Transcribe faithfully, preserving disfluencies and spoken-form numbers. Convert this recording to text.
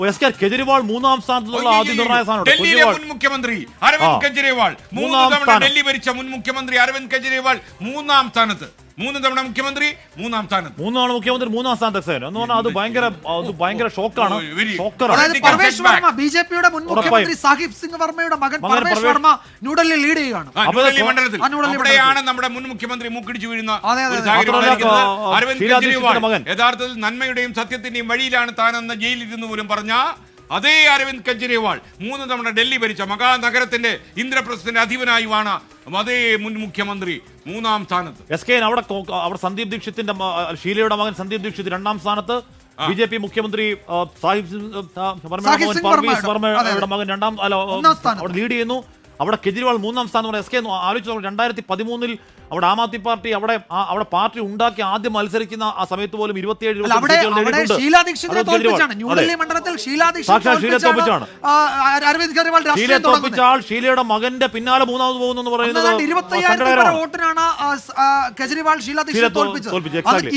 കെജ്രിവാൾ മൂന്നാം സ്ഥാനത്തുള്ള ആദ്യ നിർണായക സ്ഥാനം. ഡൽഹിയിലെ മുൻ മുഖ്യമന്ത്രി അരവിന്ദ് കെജ്രിവാൾ മൂന്ന് തവണ ഡൽഹി ഭരിച്ച മുൻ മുഖ്യമന്ത്രി അരവിന്ദ് കെജ്രിവാൾ മൂന്നാം സ്ഥാനത്ത്. മൂന്ന് തവണ മുഖ്യമന്ത്രി മൂന്നാം സ്ഥാനത്ത്. മൂന്നാണ് മുഖ്യമന്ത്രി മൂന്നാം സ്ഥാനത്ത് എന്ന് പറഞ്ഞാൽ അത് ഭയങ്കര അത് ഭയങ്കര ഷോക്കാണ്. പർവേഷ് വർമ്മ ബി ജെ പിയുടെ മുൻ മുഖ്യമന്ത്രി സാഹിബ് സിംഗ് വർമ്മയുടെ മകൻ പർവേഷ് വർമ്മ ന്യൂഡൽഹി ലീഡ് ചെയ്യുകയാണ്. ന്യൂഡൽഹി മണ്ഡലത്തിൽ അവിടെയാണ് നമ്മുടെ മുൻ മുഖ്യമന്ത്രി മൂക്കിടിച്ചു വീഴുന്ന അരവിന്ദ് കെജ്രിവാൾ യഥാർത്ഥത്തിൽ നന്മയുടെയും സത്യത്തിന്റെയും വഴിയിലാണ് താനെന്ന് ജയിലിരുന്നു പോലും പറഞ്ഞ അതേ അരവിന്ദ് കെജ്രിവാൾ മൂന്ന് തവണ ഡൽഹി ഭരിച്ച മഹാനഗരത്തിന്റെ ഇന്ദ്രപ്രസ്ഥത്തിന്റെ അധിപനായുമാണ് അതേ മുൻ മുഖ്യമന്ത്രി മൂന്നാം സ്ഥാനത്ത്. എസ് കെ അവിടെ അവിടെ സന്ദീപ് ദീക്ഷിത്തിന്റെ ഷീലയുടെ മകൻ സന്ദീപ് ദീക്ഷിത് രണ്ടാം സ്ഥാനത്ത്. ബി ജെ പി മുഖ്യമന്ത്രി സാഹിബ് പർവേഷ് വർമ്മയുടെ മകൻ രണ്ടാം അവിടെ ലീഡ് ചെയ്യുന്നു. അവിടെ കെജ്രിവാൾ മൂന്നാം സ്ഥാനം. എസ് കെ ആലോചിച്ചു രണ്ടായിരത്തി പതിമൂന്നിൽ അവിടെ ആം ആദ്മി പാർട്ടി അവിടെ അവിടെ പാർട്ടി ഉണ്ടാക്കി ആദ്യം മത്സരിക്കുന്ന ആ സമയത്ത് പോലും ഇരുപത്തിയേഴ് ഷീലയുടെ മകന്റെ പിന്നാലെ മൂന്നാമത് പോകുന്നു എന്ന് പറയുന്നത് വോട്ടിനാണ് കെജ്രിവാൾ ഷീലാ ദീക്ഷിത് തോൽപ്പിച്ചത്.